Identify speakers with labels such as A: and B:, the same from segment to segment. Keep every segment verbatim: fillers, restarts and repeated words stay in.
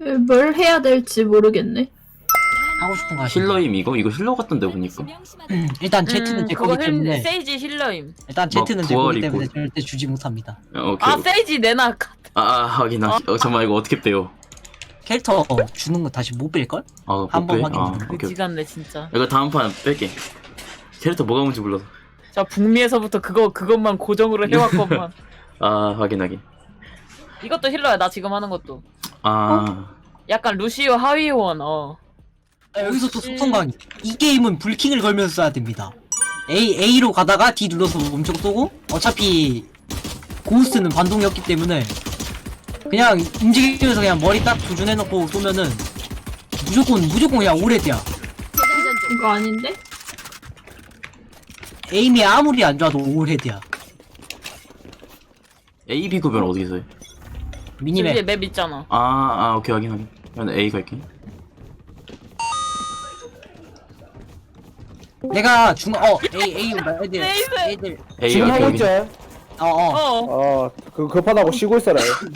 A: 뭘 해야 될지 모르겠네.
B: 하고 싶은 거 하시면
C: 힐러임 이거? 이거 힐러 같던데 보니까.
B: 음, 일단 제트는
D: 음,
B: 제
D: 그거
B: 거기
D: 힐,
B: 때문에
D: 세이지 힐러임.
B: 일단
C: 뭐
B: 제트는 제 거기
C: 부활이고.
B: 때문에 절대 주지 못합니다.
C: 어, 오케이.
D: 아 세이지 내나.
C: 아, 아 하긴 하긴. 어, 잠깐만 이거 어떻게 빼요?
B: 캐릭터 주는 거 다시 못 뺄걸?
C: 아,
B: 한번
C: 못 빼?
B: 확인
C: 아,
B: 좀.
C: 오케이. 오케이.
D: 그지같네 진짜.
C: 이거 다음 판 뺄게. 캐릭터 뭐가 뭔지 몰라서.
D: 자 북미에서부터 그거 그것만 고정으로 해왔건만.
C: 아, 확인 확인.
D: 이것도 힐러야 나 지금 하는 것도.
C: 아,
D: 약간 루시오 하위원 어.
B: 아, 여기서 또 속성 강의. 이 게임은 불킹을 걸면서 써야 됩니다. A, A로 가다가 D 눌러서 멈춰 쏘고 어차피 고스트는 반동이었기 때문에 그냥 움직이면서 그냥 머리 딱 조준해놓고 쏘면은 무조건 무조건 그냥 오래돼야.
A: 이거 아닌데?
B: 에임이 아무리 안 좋아도 오래돼야.
C: A, B 구별 어떻게 써요?
D: 위에
B: 미니맵.
D: 맵 있잖아.
C: 아, 아, 오케이 확인 확인. 그럼 A 갈게.
B: 내가 중, 어, A, A 온다, 애들.
D: 네이스.
B: 애들.
C: A
E: 지금
C: 오케이
E: 하고
C: 확인.
E: 있지?
B: 어, 어.
D: 어.
E: 어, 그 급하다고 쉬고 있어라.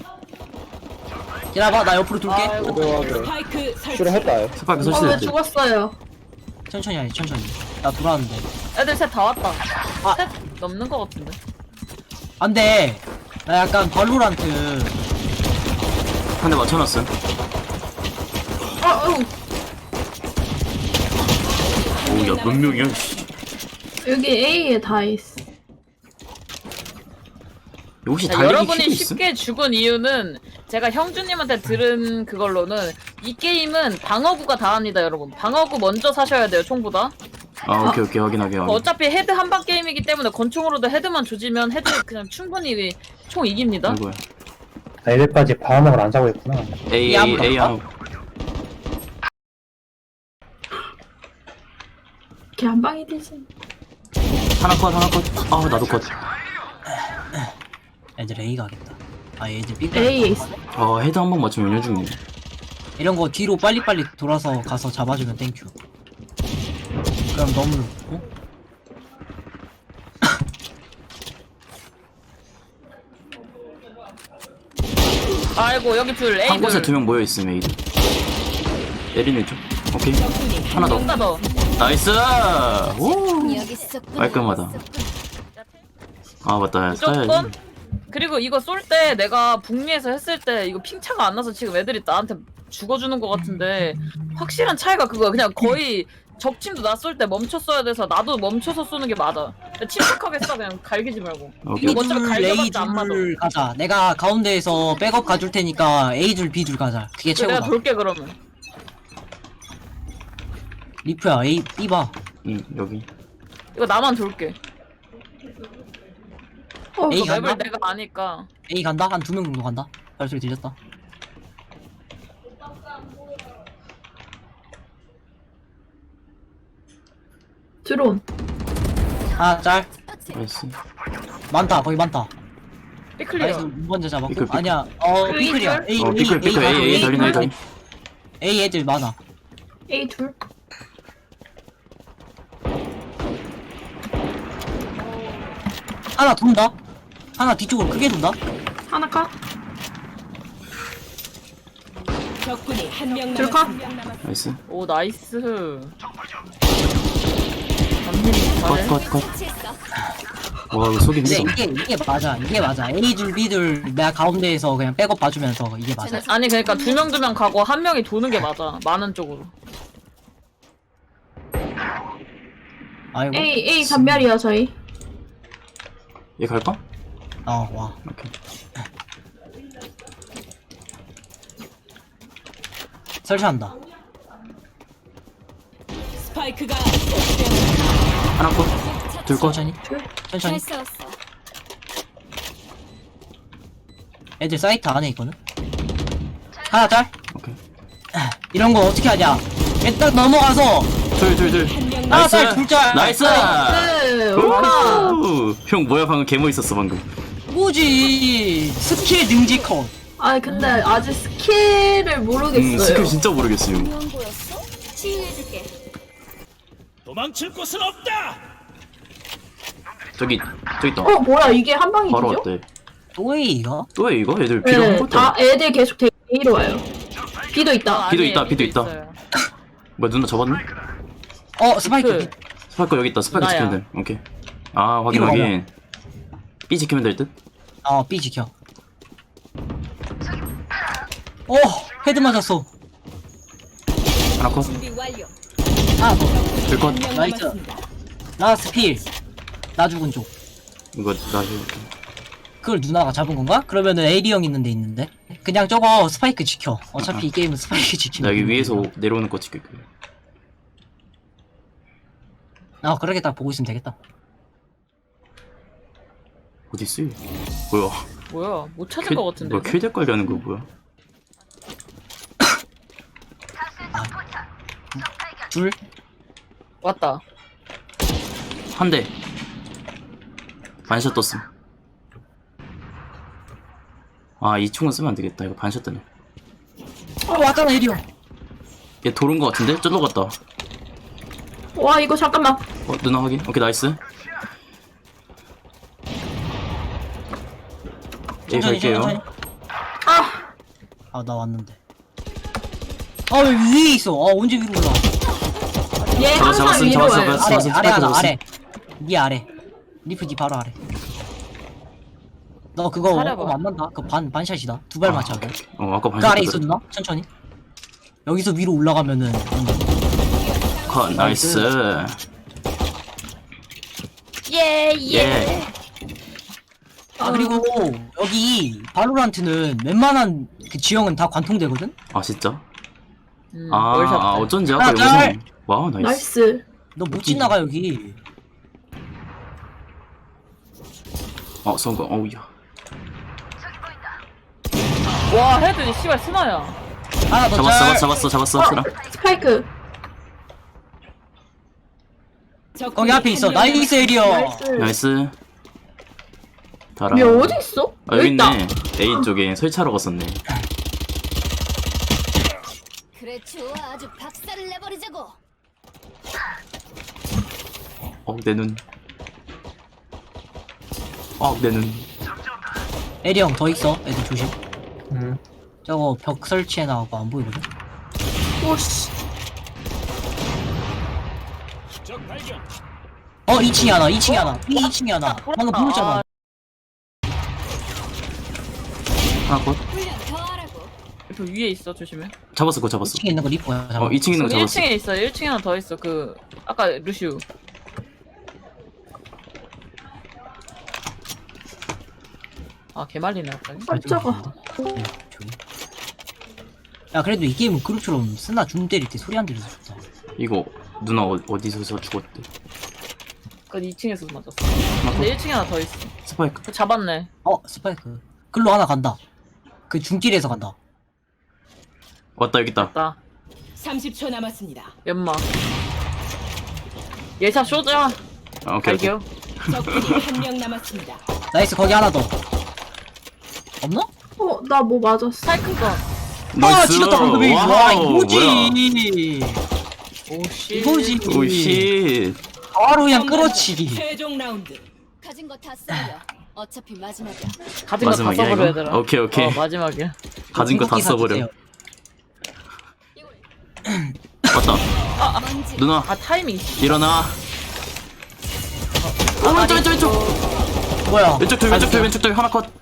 B: 기다려봐, 나 옆으로 돌게.
D: 아이고.
E: 그래, 그래. 실험했다.
C: 스파크
A: 어, 왜
C: 설치됐대.
A: 죽었어요?
B: 천천히 하지, 천천히. 나 돌아왔는데.
D: 애들 셋 다 왔다.
B: 아.
D: 셋 넘는 거 같은데.
B: 안 돼. 나 약간 발로란트.
C: 한 대 맞춰놨음.
A: 어, 어,
C: 오, 야, 몇 명이야? 씨.
A: 여기 A에 다 있어.
C: 혹시
D: 자,
C: 달리기
D: 여러분이
C: 퀴즈 있음?
D: 쉽게 죽은 이유는 제가 형주님한테 들은 그걸로는 이 게임은 방어구가 다 합니다 여러분. 방어구 먼저 사셔야 돼요 총보다.
C: 아, 오케이 오케이 확인 확인 확인.
D: 어차피 헤드 한방 게임이기 때문에 권총으로도 헤드만 조지면 헤드 그냥 충분히 총 이깁니다.
C: 아이고야.
F: 아, 이래까지 방어막을 안 사고 있구나.
C: A
B: 이
C: A
B: 안
C: A
B: 볼까?
C: 하나.
A: 걔 한 방이 되지.
C: 하나 컷 하나 컷. 아, 나도 컷.
B: 애들 A 가겠다. 아, 애들 B 가.
A: A에 있어.
C: 아, 헤드 한 번 맞추면 연료 중이네.
B: 이런 거 뒤로 빨리빨리 돌아서 가서 잡아주면 땡큐. 그럼 너무 어?
D: 아이고 여기 둘 A
C: 한 곳에
D: 둘.
C: 두 명 모여 있음 A들. 에린 왼쪽. 오케이. 하나 더.
D: 하나 더.
C: 나이스. 오. 깔끔하다. 아 맞다.
D: 무조건.
C: 써야지.
D: 그리고 이거 쏠 때 내가 북미에서 했을 때 이거 핑차가 안 나서 지금 애들이 나한테 죽어주는 것 같은데 확실한 차이가 그거야. 그냥 거의 적팀도 나 쏠 때 멈춰 써야 돼서 나도 멈춰서 쏘는 게 맞아. 침착하게 써 그냥 갈기지 말고.
C: 오케이.
D: 이거 어차피
B: B줄,
D: 갈겨봤자 안 맞아.
B: A줄 가자. 내가 가운데에서 백업 가줄 테니까 A줄, B줄 가자. 그게
D: 그래, 내가
B: 최고다.
D: 돌게 그러면.
B: 리프야, A, B 봐.
C: 응 여기.
D: 이거 나만 돌게.
A: 어,
B: A
D: 이거
B: 간다?
D: 맵을 내가 아니까.
B: A 간다? 한 두 명 정도 간다? 발소리 들렸다.
A: 드론.
B: 하나 짤.
C: 나이스.
B: 많다, 거기 많다.
D: 삐클리어.
B: 나이스, 먼저 잡았고.
C: 삐클, 삐클.
B: 아니야, 어,
A: 삐클.
B: 삐클이야. A,
C: 어 피클 피클
B: 가자,
C: A A 달린 A 달린.
B: A 애들 많아.
A: A 둘.
B: 하나 돈다? 하나 뒤쪽으로 크게 돈다?
A: 하나 까?
G: 적군이 한 명
A: 둘 까?
G: 남았습니다.
C: 나이스.
D: 오 나이스. 남민이 잘해.
C: 컷 컷 컷. 와 이거 소리
B: 근데
C: 힘들어.
B: 이게, 이게 맞아. 이게 맞아. A줄, B줄 내가 가운데에서 그냥 백업 봐주면서 이게 맞아.
D: 아니 그러니까 두 명 두 명 가고 한 명이 도는 게 맞아. 많은 쪽으로.
B: 아이고.
A: A, A 전멸이야, 저희.
C: 얘 갈까?
B: 어, 와.
C: 오케이.
B: 설치한다.
G: 스파이크가
C: 하나 컷. 둘 컷.
B: 천천히. 천천히.
G: 잘 싸웠어.
B: 애들 사이트 안에 있거든? 하나 짤?
C: 오케이.
B: 이런 거 어떻게 하냐? 일단 넘어가서
C: 둘 둘 둘.
B: 하나
C: 나이스.
B: 짤, 둘 짤.
C: 나이스.
A: 네, 와.
C: 우! 형 뭐야 방금 개모 있었어 방금.
B: 뭐지? 스킬 능지 컷.
A: 아, 근데 아직 스킬을
C: 음
A: 모르겠어요.
C: 스킬 진짜 모르겠어요.
G: 명 보였어? 치유해줄게.
H: 도망칠 곳은 없다.
C: 저기 저기 있다.
A: 어, 뭐야, 이게 한 방이
C: 바로
A: 되죠?
C: 왔대.
B: 또해 이거?
C: 또 해 이거? 애들 필요
A: 네,
C: 한 것도
A: 다 애들 계속 A로 와요. B도 있다.
C: B도
D: 아니에요,
C: 있다, B도 있다.
D: 있어요.
C: 뭐야 누나 잡았네?
B: 어 스파이크.
D: 그,
C: 스파이크 여기 있다. 스파이크
D: 누나야.
C: 지키면 돼. 오케이. 아 확인
B: B로
C: 확인. B 지키면 될 듯?
B: 어 B 지켜. 어 헤드 맞았어.
C: 하나 컷.
G: 준비 완료.
B: 하나 더.
C: 둘컷.
G: 한 명
B: 나이스.
G: 남았습니다.
B: 라스트 필. 나 죽은 쪽.
C: 이거 나 해볼게.
B: 그걸 누나가 잡은 건가? 그러면은 에이리 형 있는데 있는데. 그냥 저거 스파이크 지켜. 어차피 이 게임은 스파이크
C: 나
B: 지키면.
C: 여기
B: 되는
C: 위에서
B: 거야.
C: 내려오는 거 찍을게.
B: 아 그렇게 딱 보고 있으면 되겠다.
C: 어디 있어? 뭐야?
D: 뭐야? 못 찾을
C: 킬-
D: 것 같은데.
C: 뭐야? 킬대 관리 하는 거 뭐야?
B: 둘.
D: 왔다.
C: 한 대. 반샷 떴음. 아, 이 총은 쓰면 안 되겠다. 이거 반샷 뜨네.
B: 어 왔잖아 에이리 형.
C: 얘 도른 거 같은데? 쩔러 갔다.
A: 와 이거 잠깐만.
C: 어, 누나 확인. 오케이, 나이스. 예,
B: 천천히
C: 갈게요.
B: 천천히.
A: 아
B: 아 나 왔는데. 아 왜 위에 있어? 아 언제 위로 올라?
A: 얘
C: 잡았어,
A: 항상
C: 잡았어,
A: 위로
C: 잡았어,
A: 해.
C: 잡았어.
B: 아래
C: 스파이크
B: 아래 하나
C: 잡았어.
B: 아래. 니 아래. 리프 니 바로 아래. 너 그거
D: 사려봐.
B: 어, 안 만다. 그 반 반샷이다. 두 발 맞춰야 돼.
C: 어, 아까
B: 그
C: 반샷
B: 아래 있어
C: 떴거든.
B: 누나? 천천히. 여기서 위로 올라가면은
C: 컷, 나이스.
D: 예,
C: 예.
B: 아 그리고 여기 바로란트는 웬만한 그 지형은 다 관통되거든?
C: 아, 진짜?
D: 음,
C: 아,
D: 월샷.
C: 아, 어쩐지 아까
B: 하나,
C: 여기서.
B: 짤.
C: 와우, 나이스.
A: 나이스.
B: 너 못 지나가 여기.
C: 어, 성공. 어우야.
D: 와, 헤드 씨발 스나야.
B: 하나 더
C: 잡았어,
B: 짤.
C: 잡았어, 잡았어,
A: 어
C: 잡았어.
A: 스파이크.
G: 적군이
B: 거기 앞에 있어.
G: 한 명
B: 나이스 에리어.
A: 나이스.
C: 나이스. 달아.
A: 얘 어디 있어?
C: 아, 여기
A: 있다.
C: 있네. A 쪽에 설치하러 갔었네.
G: 그래 좋아 아주 박살을 내버리자고.
C: 어, 내 눈. 어, 내 눈.
B: 에리 형 더 있어. 애들 조심.
F: 음.
B: 저거 벽 설치해 나가고 안 보이거든?
A: 오씨.
H: 적 발견.
B: 어 이 층에 하나 이 층에 하나 이 층에 하나 방금
D: 아,
B: 보였잖아.
C: 하나 컷.
G: 훈련 더 하라고.
D: 그 위에 있어, 조심해.
C: 잡았어, 그거 잡았어.
B: 이 층에 있는 거 리퍼야.
C: 어, 이 층에 있는 거
D: 일
C: 잡았어.
D: 층에 있어. 일 층에 하나 더 있어. 그 아까 루시우. 아, 개말리네 갑자기.
A: 깜짝아.
B: 네, 저기. 야 그래도 이 게임은 그룹처럼 쓰나 줌 때릴 때 소리 안 들려서 좋다.
C: 이거 누나 어, 어디서 죽었대?
D: 그 이 층에서 맞았어. 근데 일 층에 하나 더 있어.
C: 스파이크.
D: 그 잡았네.
B: 어 스파이크. 글로 하나 간다. 그 중길에서 간다.
C: 왔다, 여기 있다.
D: 나
G: 삼십 초 남았습니다.
D: 연막. 예샷 쇼자.
C: 아, 오케이, 오케이.
D: 갈게요.
G: 적군이 한 명 남았습니다.
B: 나이스 거기 하나 더. 없나?
A: 어 나 뭐 맞았어.
D: 스파이크가.
B: 아
C: 나이스.
B: 지렸다 방금이. 와
C: 와우,
B: 이거지.
C: 뭐야.
D: 오씨.
B: 이거지.
C: 오, 씨.
B: 바로 그냥 끌어치기.
G: 최종 라운드.
I: 가진 거 다 써요. 어차피 마지막이야.
D: 가진 거 다
C: 마지막이야,
D: 써버려
C: 이거?
D: 얘들아.
C: 오케이, 오케이.
D: 어, 마지막이야.
C: 가진 거 다
B: 궁극기
C: 써버려.
B: 사주세요.
C: 왔다.
I: 먼지.
C: 누나,
D: 아, 타이밍.
C: 일어나. 오, 왼쪽, 왼쪽, 왼쪽.
B: 뭐야?
C: 왼쪽 돌, 왼쪽 돌, 왼쪽 돌. 하나 컷.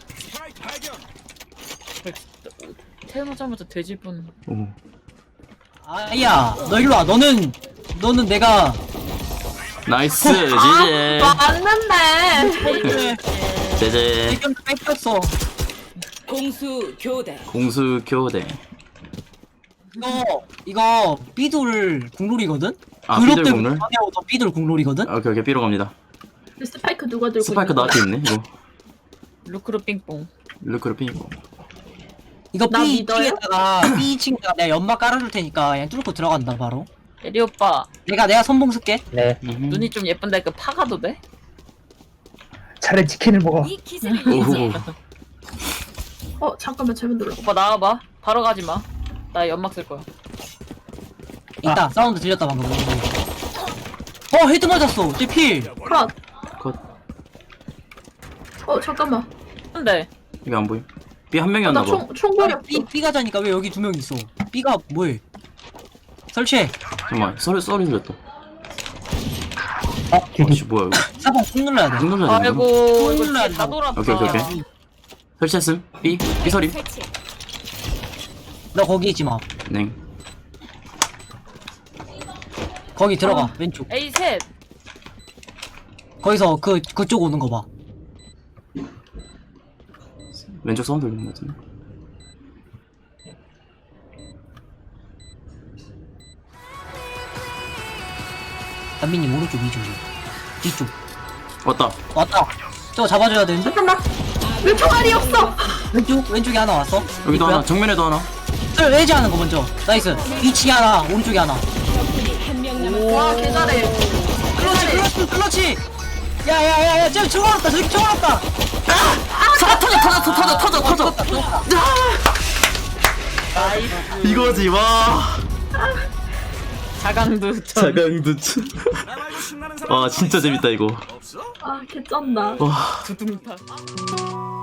D: 태어나자마자 돼지 분.
C: 오.
B: 아야 너 일로 와. 너는 너는 내가
C: 나이스. 지제.
A: 맞는데.
C: 제제.
B: 의견 뺏겼어.
G: 공수 교대.
C: 공수 교대.
B: 이거 이거 삐돌 국룰이거든?
C: 아,
B: 그것
C: 삐돌
B: 때문에
C: 국룰?
B: 방해하고 삐돌 국룰이거든?
C: 오케이, 오케이. 삐로 갑니다.
A: 스파이크 누가 들고
C: 스파이크
A: 있는 거야?
C: 나한테 있네, 이거.
D: 루크루 삥뽕.
C: 루크로 핑고.
B: 이거
A: 나
B: B
A: 믿어요?
B: 층에다가 B 층에다가 내가 연막 깔아줄 테니까 그냥 뚫고 들어간다 바로.
D: 에리 오빠,
B: 내가 내가 선봉 쓸게.
F: 네.
D: 눈이 좀 예쁜데 그 파가도 돼?
F: 차라리 치킨을 먹어.
I: 이 기세를
C: 오호.
A: 어 잠깐만 잘못 눌러.
D: 오빠 나와봐. 바로 가지 마. 나 연막 쓸 거야.
B: 있다. 사운드 들렸다 방금. 어 헤드 맞았어. 쟤 필.
A: 컷.
C: 컷.
A: 어 잠깐만.
D: 근데
C: 이거 안 보임. B 한 명이었나 봐.
A: 나총 총구리 없어.
B: B, B 가자니까 왜 여기 두 명 있어? B가 뭐해? 설치해.
C: 잠깐만 썰 썰이 들렸다.
F: 아 뒤도
C: 아씨 뭐야 이거.
B: 사 번 꾹 눌러야 돼.
C: 꾹 눌러야 되는 거?
D: 아이고 이거
B: 눌러야
D: 진짜 다
B: 된다고.
D: 돌았다.
C: 오케이 오케이 오케이. 설치했음. B B 서림.
I: 설치.
B: 너 거기 있지 마.
C: 네.
B: 거기 들어가.
A: 어.
B: 왼쪽.
D: A 셋.
B: 거기서 그 그쪽 오는 거 봐.
C: 왼쪽 사운드 들리는 거 같은데.
B: 단민님 오른쪽 위쪽 뒤쪽.
C: 왔다.
B: 왔다. 저거 잡아줘야 되는데?
A: 잠깐만. 왜 총알이 없어?
B: 왼쪽 왼쪽에 하나 왔어.
C: 여기도
B: 있고요.
C: 하나. 정면에도 하나.
B: 썰 레지 하는 거 먼저. 나이스. 위치에 하나. 오른쪽에 하나.
A: 와 개잘해.
B: 클러치 클러치 클러치. 야야야야 쟤 총 알았다. 저기 총 알았다.
C: 터져 터져 터져 터져 터져 터져. 이거지 와.
D: 자강두.
C: 자강두. 와 진짜 재밌다 이거.
A: 아 개쩐다.
C: 와.
D: 두둥타.